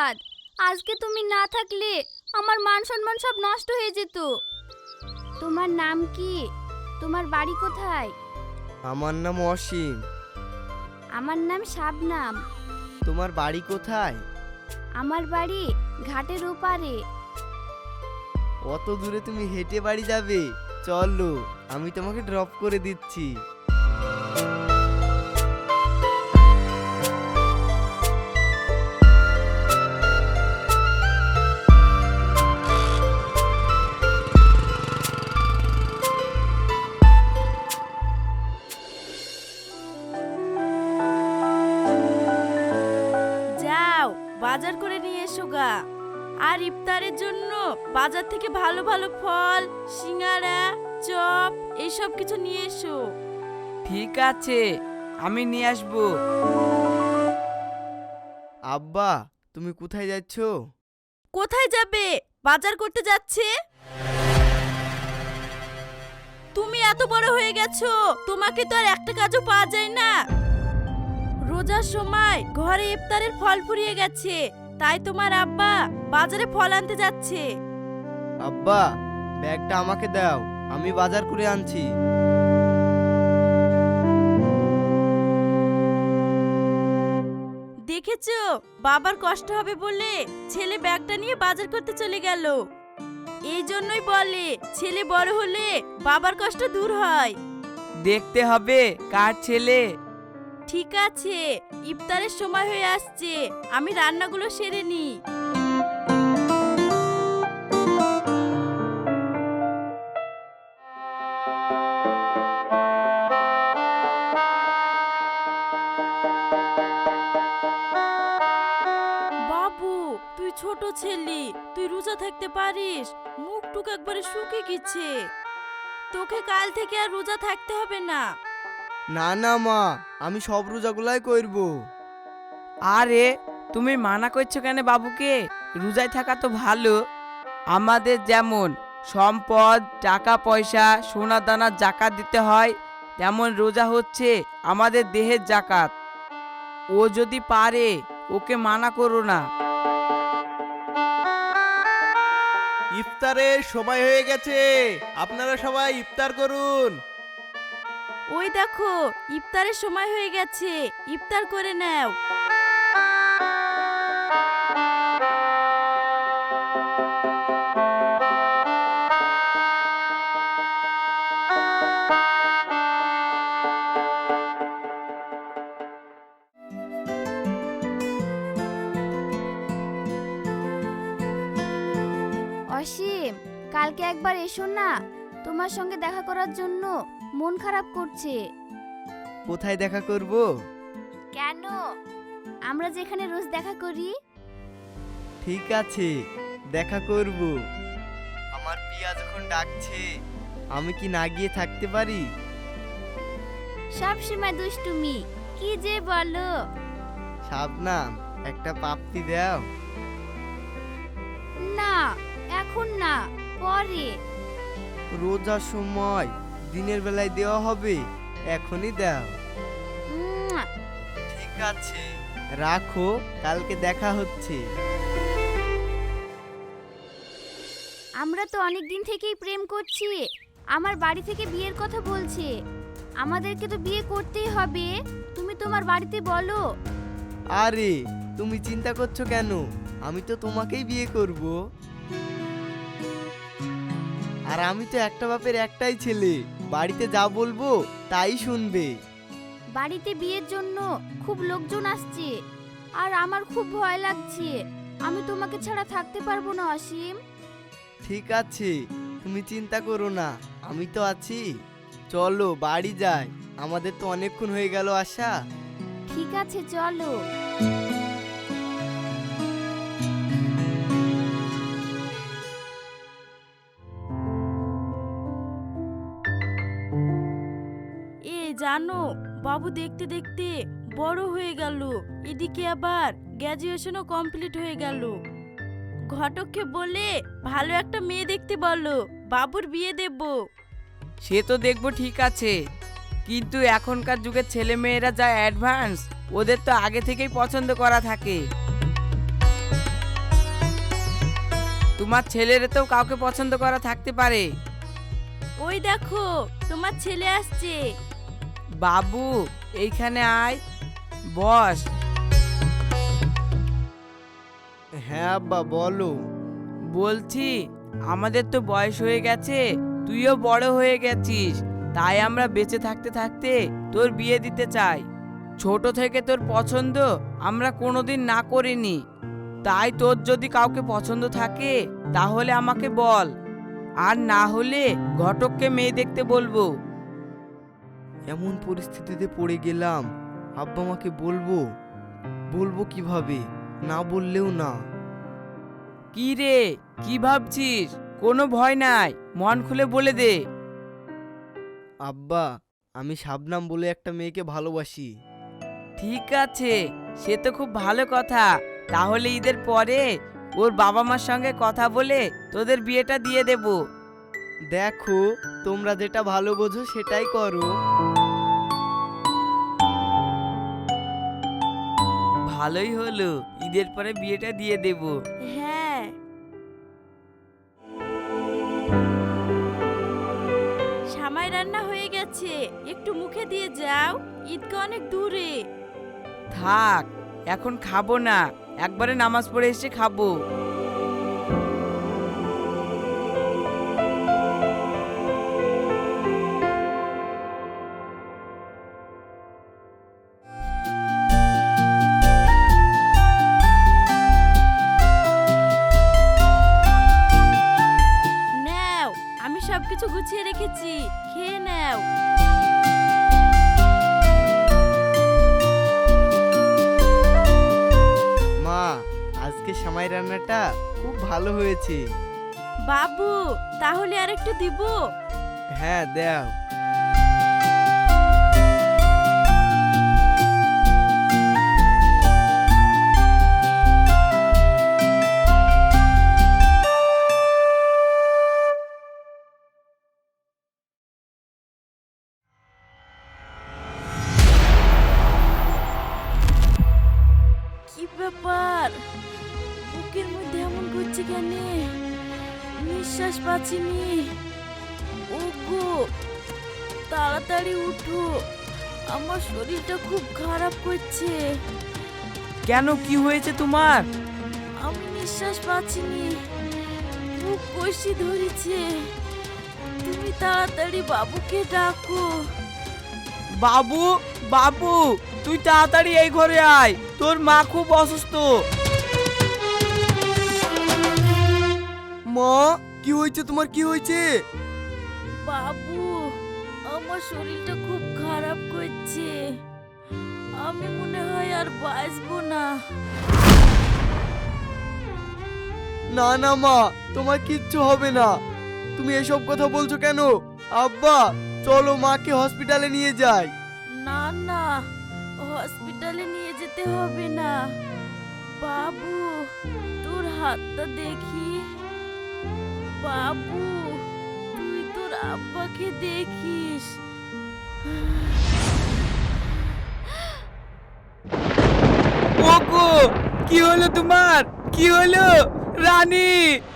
ধন্যবাদ। আজকে তুমি না থাকলে আমার মান সম্মান সব নষ্ট হয়ে যেত। তোমার নাম কি? তোমার বাড়ি কোথায়? আমার নাম অসীম। আমার নাম শাবনাম। তোমার বাড়ি কোথায়? আমার বাড়ি ঘাটের ওপারে। অত দূরে তুমি হেঁটে বাড়ি যাবে? চলো, আমি তোমাকে ড্রপ করে দিচ্ছি। যাও বাজার করে নিয়ে এসো গা। আর ইফতারের জন্য বাজার থেকে ভালো ভালো ফল, সিঙ্গারা, চপ এইসব কিছু নিয়ে এসো। ঠিক আছে, আমি নিয়ে আসবো। আব্বা, তুমি কোথায় যাচ্ছ? কোথায় যাবে? বাজার করতে যাচ্ছে। তুমি এত বড় হয়ে গেছো, তোমাকে তো আর একটা কাজও পাওয়া যায় না। রোজার সময় ঘরে ইফতারের ফল ফুরিয়ে গেছে, তাই তোমার আব্বা বাজারে ফল আনতে যাচ্ছে। আব্বা, ব্যাগটা আমাকে দাও, আমি বাজার করে আনছি। দেখেছো, বাবার কষ্ট হবে বলে ছেলে ব্যাগটা নিয়ে বাজার করতে চলে গেল। এই জন্যই বলে ছেলে বড় হলে বাবার কষ্ট দূর হয়। দেখতে হবে কার ছেলে। ঠিক আছে, ইফতারের সময় হয়ে আসছে, আমি রান্নাগুলো সেরে নিই। বাবু, তুই ছোট ছেলে, তুই রোজা থাকতে পারিস? মুখ টুক একবারে শুকিয়ে গেছে। তোকে কাল থেকে আর রোজা থাকতে হবে না। না না মা, আমি সব রোজাগুলাই করব। আরে তুমি মানা করছো কেন বাবুকে? রোজায় থাকা তো ভালো। আমাদের যেমন সম্পদ, টাকা পয়সা, সোনা দানা জাকাত দিতে হয়, তেমন রোজা হচ্ছে আমাদের দেহের জাকাত। ও যদি পারে, ওকে মানা করো না। ইফতারের সময় হয়ে গেছে, আপনারা সবাই ইফতার করুন। ওই দেখো, ইফতারের সময় হয়ে গেছে, ইফতার করে নাও। অসীম, কালকে একবার এসো না, তোমার সঙ্গে দেখা করার জন্য মন খারাপ করছে। কোথায় দেখা করব? কেন? আমরা যেখানে রোজ দেখা করি। ঠিক আছে, দেখা করব। আমার পিয়া যখন ডাকছে, আমি কি না গিয়ে থাকতে পারি? সব সময় দুষ্টুমি, কি যে বলো। শাবনাম, একটা পাপ্তি দাও। না, এখন না, পরে। রোজার সময় দিনের বেলায় দেওয়া হবে, এখনই দাও। উম্মুয়া। ঠিক আছে, রাখো, কালকে দেখা হচ্ছে। আমরা তো অনেক দিন থেকেই প্রেম করছি। আমার বাড়ি থেকে বিয়ের কথা বলছে। আমাদেরকে তো বিয়ে করতেই হবে, তুমি তোমার বাড়িতে বলো। আরে তুমি চিন্তা করছো কেন? আমি তো তোমাকেই বিয়ে করব। আর আমি তো একটা বাপের একটাই ছেলে, বাড়িতে যা বলবো তাই শুনবে। বাড়িতে বিয়ের জন্য খুব লোকজন আসছে, আর আমার খুব ভয় লাগছে। আমি তোমাকে ছাড়া থাকতে পারবো না অসীম। ঠিক আছে, তুমি চিন্তা করো না, আমি তো আছি। চলো বাড়ি যাই, আমাদের তো অনেকক্ষণ হয়ে গেল আসা। ঠিক আছে, চলো। জানো, বাবু দেখতে দেখতে বড় হয়ে গেল, এদিকে আবার গ্র্যাজুয়েশনও কমপ্লিট হয়ে গেল। ঘটককে বলে ভালো একটা মেয়ে দেখতে বলো, বাবুর বিয়ে দেব। সে তো দেখবো, ঠিক আছে, কিন্তু এখনকার যুগের ছেলে মেয়েরা যা অ্যাডভান্স, ওদের তো আগে থেকেই পছন্দ করা থাকে। তোমার ছেলের তো কাউকে পছন্দ করা থাকতে পারে। ওই দেখো তোমার ছেলে আসছে। বাবু এইখানে আয়, বস। হ্যাঁ আব্বা বলো। বলছি আমাদের তো বয়স হয়ে গেছে, তুইও বড় হয়ে গেছিস, তাই আমরা বেঁচে থাকতে থাকতে তোর বিয়ে দিতে চাই। ছোট থেকে তোর পছন্দ আমরা কোনোদিন না করিনি, তাই তোর যদি কাউকে পছন্দ থাকে তাহলে আমাকে বল, আর না হলে ঘটককে মেয়ে দেখতে বলবো। এমন পরিস্থিতিতে পড়ে গেলাম, আব্বা মাকে বলবো? বলবো কিভাবে? না বললেও না। কি রে, কি ভাবছিস? কোনো ভয় নাই, মন খুলে বলে দে। আব্বা, আমি শাবনাম বলে একটা মেয়েকে ভালোবাসি। ঠিক আছে, সে তো খুব ভালো কথা। তাহলে ঈদের পরে ওর বাবা মার সঙ্গে কথা বলে তোদের বিয়েটা দিয়ে দেব। দেখো, তোমরা যেটা ভালো বোঝো সেটাই করো। ভালোই হলো, ঈদের পরে বিয়েটা দিয়ে দেব। হ্যাঁ। সামাই রান্না হয়ে গেছে, একটু মুখে দিয়ে যাও, ঈদগা অনেক দূরে। থাক, এখন খাবো না, একবারে নামাজ পড়ে এসে খাবো। নাও, আমি সবকিছু গুছিয়ে রেখেছি, খেয়ে নাও। মা, আজকে সামাই রান্নাটা খুব ভালো হয়েছে। বাবু, তাহলে আর একটু দিব? হ্যাঁ দাও। কি ব্যাপার, বুকের মধ্যে এমন করছে কেন? নিঃশ্বাস পাচ্ছিনি। ওগো, তাড়াতাড়ি উঠো, আমার শরীরটা খুব খারাপ করছে। কেন, কি হয়েছে তোমার? আমি নিঃশ্বাস পাচ্ছিনি, বুক কষি ধরেছে। তুমি তাড়াতাড়ি বাবুকে ডাকো। বাবু, বাবু, তুই তাড়াতাড়ি এই ঘরে আয়, তোর মা খুব অসুস্থ। মা, কি হয়েছে তোমার? কি হয়েছে? বাবু, আমার শরীরটা খুব খারাপ করছে, আমি মনে হয় আর বাঁচবো না। না না মা, তোমার কিচ্ছু হবে না। তুমি এসব কথা বলছো কেন? আব্বা, চলো মাকে হসপিটালে নিয়ে যাই। না না, হসপিটালে নিয়ে যেতে হবে না। বাবু, তোর হাতটা দেখি। বাবু, তুই তোর আব্বাকে দেখিস। ওগো, কি হলো তোমার? কি হলো রানী?